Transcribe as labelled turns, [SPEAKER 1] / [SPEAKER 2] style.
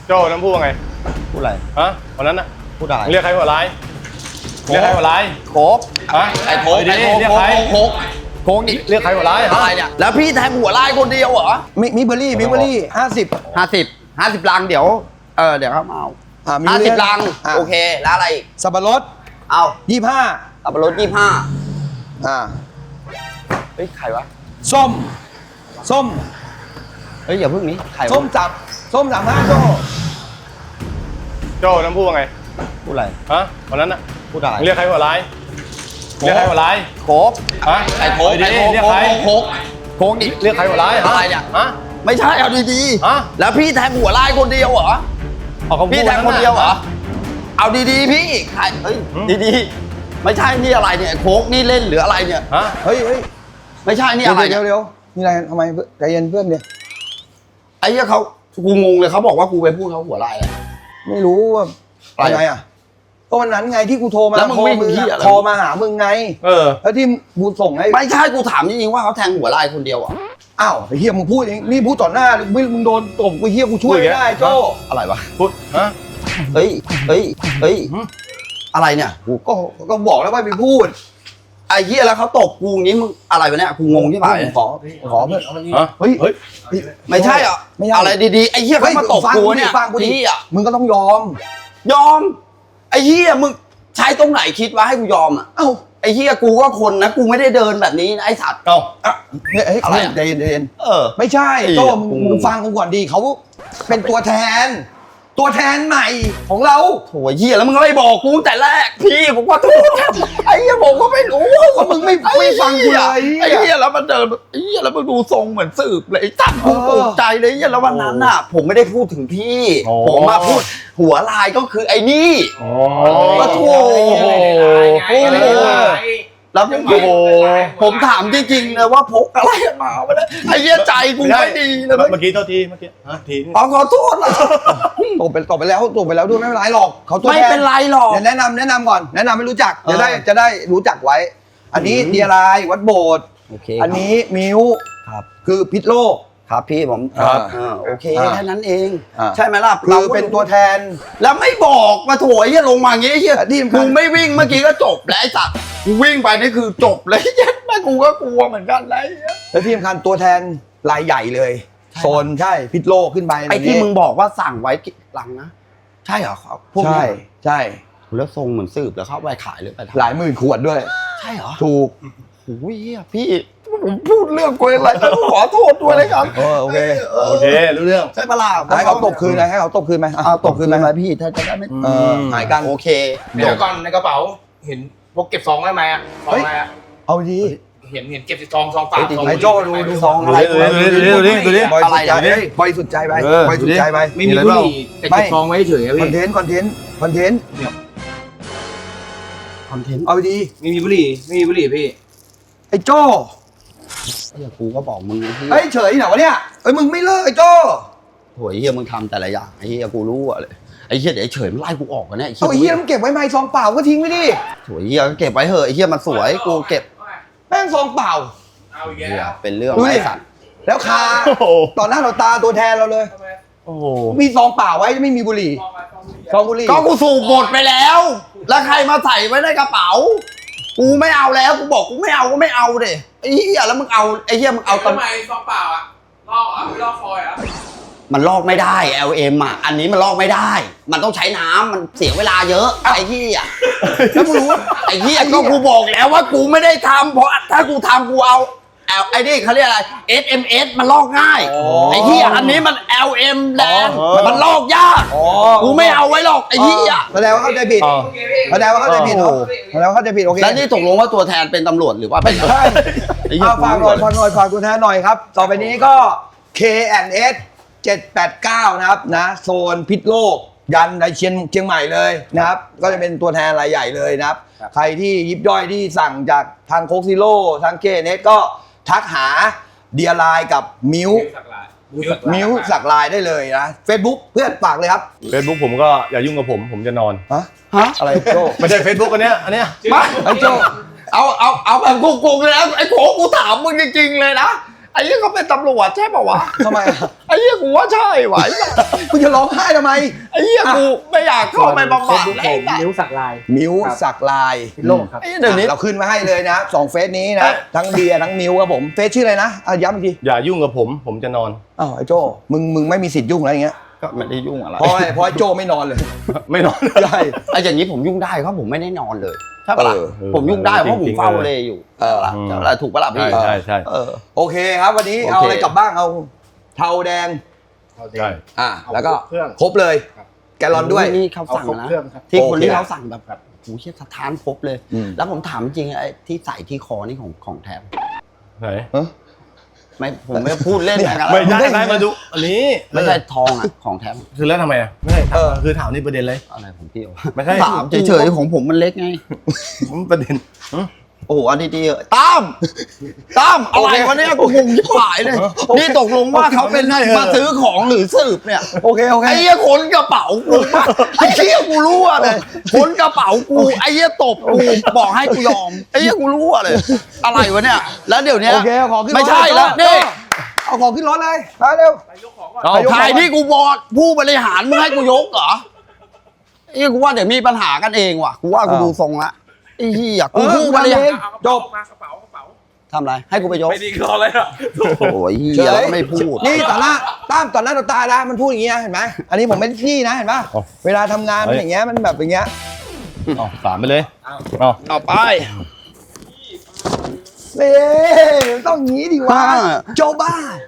[SPEAKER 1] โจ้น้ำพูดว่าไง
[SPEAKER 2] พูดอะไร
[SPEAKER 1] ฮะวันนั้นน่ะ
[SPEAKER 2] พูดอะไร
[SPEAKER 1] เรียกใครหัวร้ายเรียกใครหัวร้าย
[SPEAKER 2] โค้ก
[SPEAKER 1] ฮะ
[SPEAKER 2] ไอ้โค้กโค้กนี่
[SPEAKER 1] เรียกใครหัวร้าย
[SPEAKER 2] อะไรเนี่ยแล้วพี่แทงหัวลายคนเดียวเหรอ
[SPEAKER 3] มิเบอรี่50
[SPEAKER 2] ลังเดี๋ยวเดี๋ยวเขามาเอา50 ลังโอเคแล้วอะไรอีก
[SPEAKER 3] สับปะรด
[SPEAKER 2] เอา
[SPEAKER 3] 25
[SPEAKER 2] สับปะรด25เฮ้ยใครวะ
[SPEAKER 3] ส้ม
[SPEAKER 2] เฮ้ยอย่าพึ่งนี้ใคร
[SPEAKER 3] ส้ม35
[SPEAKER 1] โจ้น้ำพูดว่าไง
[SPEAKER 2] พูดอะไร
[SPEAKER 1] ฮะวันนั้นน่ะ
[SPEAKER 2] พูดอะไร
[SPEAKER 1] เรียกใครหัวร้ายเรียกใครหัวร้าย
[SPEAKER 2] โค้ก
[SPEAKER 1] ฮะ
[SPEAKER 2] ไอ้โค้ก
[SPEAKER 1] เรียกใคร
[SPEAKER 2] โค้กนี่
[SPEAKER 1] เรียกใครหัวร้าย
[SPEAKER 2] อะไรเนี่ย
[SPEAKER 1] ฮะ
[SPEAKER 2] ไม่ใช่เอาดีๆแล้วพี่แทงหัวลายคนเดียวเหรอพี่แทงคนเดียวเหรอเอาดีๆพี่ใครเฮ้ยดีๆไม่ใช่นี่อะไรเนี่ยโค้กนี่เล่นหรืออะไรเนี่ย
[SPEAKER 1] ฮะ
[SPEAKER 3] เฮ้ย
[SPEAKER 2] ไม่ใช่นี่อะไร
[SPEAKER 3] เดี๋ยวนี่อะไรทำไมใจเย็นเพื่อนเนี่ย
[SPEAKER 2] ไอ้เหี้ยเขากูงงเลยเขาบอกว่ากูไปพูดเขาหัวลายอะไร
[SPEAKER 3] ไม่รู้ว่าอะไรอ่ะก็วันนั้นไงที่กูโทรมา
[SPEAKER 2] แล้วมึงวิ่งที่
[SPEAKER 3] โทรมาหามึงไงแล้วที่กูส่งให้
[SPEAKER 2] ไม่ใช่กูถามจริงๆว่าเขาแทงหัวลายคนเดียวอ่ะ
[SPEAKER 3] อ้าวไอ้เหี้ยมึงพูดเองนี่พูดต่อหน้ามึงโดนตบกูเหี้ยกูช่วยไม่ได้โจ้
[SPEAKER 2] อะไรวะ
[SPEAKER 1] พูดฮะ
[SPEAKER 2] เฮ้ยอะไรเนี่ยกู
[SPEAKER 3] ก็บอกแล้วว่าไปพูด
[SPEAKER 2] ไอ้เหี้ยแล้วเขาตบกูอย่างงี้มึงอะไรวะเนี่ยกูงงที่ไหน
[SPEAKER 3] ขอเพื่อนเฮ้ย
[SPEAKER 2] ไม่ใช่อ่ะอะไรดีๆไอ้เหี้ยเขามาตบกูเนี่ยพี่อ่ะ
[SPEAKER 3] มึงก็ต้องยอม
[SPEAKER 2] ไอ้เหี้ยมึงใช้ตรงไหนคิดว่าให้กูยอมอ่ะ
[SPEAKER 3] เอ้า
[SPEAKER 2] ไอ้เหี้ยกูก็คนนะกูไม่ได้เดินแบบนี้นะไอ้สัตว์
[SPEAKER 3] อะไรใจเย็นไม่ใช่โจ้มึงฟังกูก่อนดีเขาเป็นตัวแทนใหม่ของเรา
[SPEAKER 2] โถ่เหี้ยแล้วมึงก็ไม่บอกกูแต่แรกพี่ผมว่าทุกไอ้เหี้ยผมก็ไม่รู้
[SPEAKER 3] ว่ามึงไม่ฟังกูเลย
[SPEAKER 2] ไอ้เหี้ยแล้วมันเดินไอ้เหี้ยแล้วมึงดูทรงเหมือนสืบเลยตั้งกูตกใจเลยเหี้ยแล้ววันนั้นน่ะผมไม่ได้พูดถึงพี่ผมมาพูดหัวลายก็คือไอ้นี่ก็โถ่แล้วผมถามจริงๆเลยว่าพกอะไรมาไม่ได้ไอ้เหี้ยใจกูไม่ดีเลย
[SPEAKER 1] เมื่อกี้โทษทีที
[SPEAKER 2] ขอโทษนะ
[SPEAKER 3] ตบไปแล้วด้วยไม่เป็นไรหรอกเขาตัว
[SPEAKER 2] ไม่เป็นไรหรอก
[SPEAKER 3] แนะนำก่อนแนะนำให้รู้จักจะได้รู้จักไว้อันนี้เดียรายวัดโบสถ์อันนี้มิว
[SPEAKER 2] ครับ
[SPEAKER 3] คือพิษโลก
[SPEAKER 2] ครับพี่ผมโอเคแค่นั้นเองใช่ไหมล่ะ
[SPEAKER 3] คือเป็นตัวแทน
[SPEAKER 2] แล้วไม่บอกมาโถยลงมาอย่างงี้เฮียกูไม่วิ่งเมื่อกี้ก็จบแล้วไอ้สัตว์กูวิ่งไปนี่คือจบเลยยัดแม่กูก็กลัวเหมือนกันเลย
[SPEAKER 3] แล้วที่สำคัญตัวแทนรายใหญ่เลยโซนใช่พิษโลกขึ้นไป
[SPEAKER 2] ไอ้ที่มึงบอกว่าสั่งไว้หลังนะใช่เหรอพวกนี้
[SPEAKER 3] ใช่
[SPEAKER 2] แล้วทรงเหมือนสืบแล้วเข้าไปขายหรือไป
[SPEAKER 3] หลายหมื่นขวดด้วย
[SPEAKER 2] ใช่เหรอ
[SPEAKER 3] ถูก
[SPEAKER 2] โอ้ยพี่ผมพูดเรื่องกูอะไรขอโทษด้วยเลยครับ
[SPEAKER 3] โอเค
[SPEAKER 1] รู้เรื่อง
[SPEAKER 2] ใช่ปะล่ะ
[SPEAKER 3] ให้เขาตบคืนให้เขาตบคืนไหม
[SPEAKER 2] ตบคืนไหมพี่ถ้าจะได้ไม่
[SPEAKER 3] หายกัน
[SPEAKER 2] โอเค
[SPEAKER 4] เดี๋ยวก่อนในกระเป๋าเห็นพวกเก็บซองได้ไหมอ่ะซองอะไรอ่ะ
[SPEAKER 3] เอาดี
[SPEAKER 4] เห็นเก็บซองเปล่า
[SPEAKER 3] ไอ้โจ้ดูซองอะไร
[SPEAKER 1] ดูดิ
[SPEAKER 3] บอยสุดใจไป
[SPEAKER 4] ไม่มีบุหรี่แต่เก็บซองไว้เฉย
[SPEAKER 3] คอนเทนต์เอาดี
[SPEAKER 4] ไม่มีบุหรี่พี่
[SPEAKER 3] ไอ้โจ้
[SPEAKER 2] กูก็บอกมึง
[SPEAKER 3] ไอ้เฉยเหรอวะเนี่ยมึงไม่เลิกไอ้โจ้
[SPEAKER 2] โหยเฮียมึงทำแต่ละอย่างไอ้เฮียกูรู้อะเลยไอ้เฮียเดี๋ยวไอ้เฉยมันไล่กูออกกันเนี่ย
[SPEAKER 3] ไอ้เฮียมันเก็บไว้ไม่ซองเปล่าก็ทิ้งไว้ดิ
[SPEAKER 2] โหยเฮียก็เก็บไว้เถอะไอ้เฮียมันสวยกูเก็บ
[SPEAKER 3] แม่งซองเปล่า
[SPEAKER 4] เอาแย่
[SPEAKER 2] เป็นเรื่องไอ้สัตว์
[SPEAKER 3] แล้วคาตอนหน้าเราตาตัวแทนเราเลยมีซองเปล่าไว้ไม่มีบุหรี่ซองบุหรี่
[SPEAKER 2] ก็กูสูบหมดไปแล้วแล้วใครมาใส่ไว้ในกระเป๋ากูไม่เอาแล้วกูบอกกูไม่เอาก็ไม่เอาเด้ไอ้เหี้ยแล้วมึงเอาไอ้เหี้ยมึงเอา
[SPEAKER 4] ทำไมซองเปล่าอ่ะลอกไม่ลอกฟอยล์อ่ะ
[SPEAKER 2] มันลอกไม่ได้ LM อ่ะอันนี้มันลอกไม่ได้มันต้องใช้น้ำมันเสียเวลาเยอะไอ้เหี้ย
[SPEAKER 3] แล้วมึงรู้
[SPEAKER 2] ไอ้เหี้ยก็กูบอกแล้วว่ากูไม่ได้ทำเพราะถ้ากูทำกูเอาไอ้นี่เขาเรียกอะไร SMS มันลอกง่ายไอ้เหี้ยอันนี้มัน LM แดงมันลอกยากกูไม่เอาไว้หรอกไอ้เหี้ย
[SPEAKER 3] แสดงว่าเข้าใจผิดแล้วนี่
[SPEAKER 2] ตกลงว่าตัวแทนเป็นตำรวจหรือว่าเป็น
[SPEAKER 3] ใช่ฝากตัวแทนหน่อยครับต่อไปนี้ก็ K&S 789นะครับนะโซนพิษโลกยันในเชียงใหม่เลยนะครับก็จะเป็นตัวแทนรายใหญ่เลยนะครับใครที่ยิบย่อยที่สั่งจากทางโคกซิโร่ทาง K&S ก็ทักหาเดียไลน์กับมิวสักลายได้เลยนะ Facebook เพื่อนฝากเลยครับ
[SPEAKER 1] Facebook ผมก็อย่ายุ่งกับผมจะนอน
[SPEAKER 3] ฮะอะไรโจ้
[SPEAKER 1] ไม่ใช่ Facebook อันเนี้ย
[SPEAKER 2] มาไอ้โจ้เอาแบบกูเลยนะไอ้โขกูถามมึงจริงๆเลยนะไไอ้เหี้ยเขาเป็นตำรวจใช่ป่าวะ
[SPEAKER 3] ทำไมอะ
[SPEAKER 2] ไอ้เหี้ยกูว่าใช่ไหวะ
[SPEAKER 3] มึงจะร้องไห้ทำไม
[SPEAKER 2] ไอ้เหี้ยกูไม่อยากเข้าไปบำบัด
[SPEAKER 5] ผม
[SPEAKER 2] ไอ้สัส
[SPEAKER 5] นิ้วสักลาย
[SPEAKER 3] มิ้วสักลาย
[SPEAKER 5] พิโลกครับ
[SPEAKER 2] ไอ้เดี๋ยวนี้
[SPEAKER 3] เราขึ้นมาให้เลยนะ2เฟซนี้นะทั้งเบียร์ทั้งมิวครับผมเฟซชื่ออะไรนะย้ำอีกที
[SPEAKER 1] อย่ายุ่งกับผมจะนอน
[SPEAKER 3] อ้าวไอ้โจ้มึงไม่มีสิทธิ์ยุ่งอะไรอย่างเงี้ย
[SPEAKER 2] ก็ไม่ได้ยุ่งอะไร
[SPEAKER 3] เพราะไอ้โจ้ไม่นอนเลย
[SPEAKER 1] ไม่นอน
[SPEAKER 3] ใช่
[SPEAKER 2] ไอ้อย่างนี้ผมยุ่งได้เพราะผมไม่ได้นอนเลยใช่ปะล่ะ ผมยุ่งได้เพราะผมเฝ้าเลยอยู่ถูกปะล่ะพี่
[SPEAKER 1] ใช่
[SPEAKER 3] โอเคครับวันนี้
[SPEAKER 2] โอเค
[SPEAKER 3] เอาอะไรกลับบ้างเอาเทาแดง
[SPEAKER 1] ใช่
[SPEAKER 3] แล้วก็
[SPEAKER 4] เครื่อง
[SPEAKER 3] ครบเลย
[SPEAKER 4] ครับ
[SPEAKER 3] แกลลอนด้วย
[SPEAKER 2] นี่เขาสั่ง
[SPEAKER 4] เอาครบ
[SPEAKER 2] นะ
[SPEAKER 4] เครื่องครับ
[SPEAKER 2] ที่คนที่
[SPEAKER 3] โอเค
[SPEAKER 2] เขาสั่งแบบโอ้โหเชี่ยสถานพบเลย
[SPEAKER 3] อืม
[SPEAKER 2] แล้วผมถามจริงไอ้ที่ใส่ที่คอนี่ของแถม
[SPEAKER 1] ไหน
[SPEAKER 2] ไม่ผมไม่พูดเล่นนะครับ
[SPEAKER 1] ไม่ได้มาดูอันนี้
[SPEAKER 2] ไม่ใช่ทองอ่ะของแถม
[SPEAKER 1] คือแล้วทำไมอ่ะไม่ใช่คือถามนี่ประเด็นเลย
[SPEAKER 2] อะไรผมเกี่ยว
[SPEAKER 1] ไม่ใช่
[SPEAKER 2] ถามเฉยๆของผมมันเล็กไง
[SPEAKER 1] ประเด็น
[SPEAKER 2] โอ้โหอันดีๆตั้มอะไรวะเนี่ยกูงงชิบหายเลยนี่ตกลงว่าเขาเป็นมาซื้อของหรือสืบเนี่ย
[SPEAKER 3] โอเค
[SPEAKER 2] ไอ้เหี้ยขนกระเป๋ากูมาไอ้เหี้ยกูรู้อะเลยขนกระเป๋ากูไอ้เหี้ยตบกูบอกให้กูยอมไอ้เหี้ยกูรู้อะเลย อะไรวะเนี่ยแล้วเดี๋ยวเนี้ย
[SPEAKER 3] โอเคเอาของขึ้นรถ
[SPEAKER 2] ไม่ใช่แล้วนี่
[SPEAKER 3] เอาของขึ้นรถเลยมาเร็ว
[SPEAKER 2] ถ่ายที่กูบอกผู้บริหารมึงให้กูยกเหรอไอ้เหี้ยกูว่าเดี๋ยวมีปัญหากันเองว่ะกูว่ากูดูทรงละไอ้เหี้ยกูผู้บริหาร
[SPEAKER 3] จบ
[SPEAKER 4] มากระเป๋ากระเป๋า
[SPEAKER 2] ทำอะไรให้กูไปยก
[SPEAKER 4] ไม่ดีรอเลยอ่ะ
[SPEAKER 2] โอ้ยเหี้ยไม่พูด
[SPEAKER 3] นี่ต่อหน้าต่อหน้าต่อตานะมันพูดอย่างเงี้ยเห็นไหมอันนี้ผมไม่ได้ขี้นะเห็นปะเวลาทำงานมันอย่างเงี้ยมันแบบอย่างเงี้ย
[SPEAKER 1] สามไปเลย
[SPEAKER 2] เอาไป
[SPEAKER 3] เอ๊ะต้องงี้ดิวะโจบ้า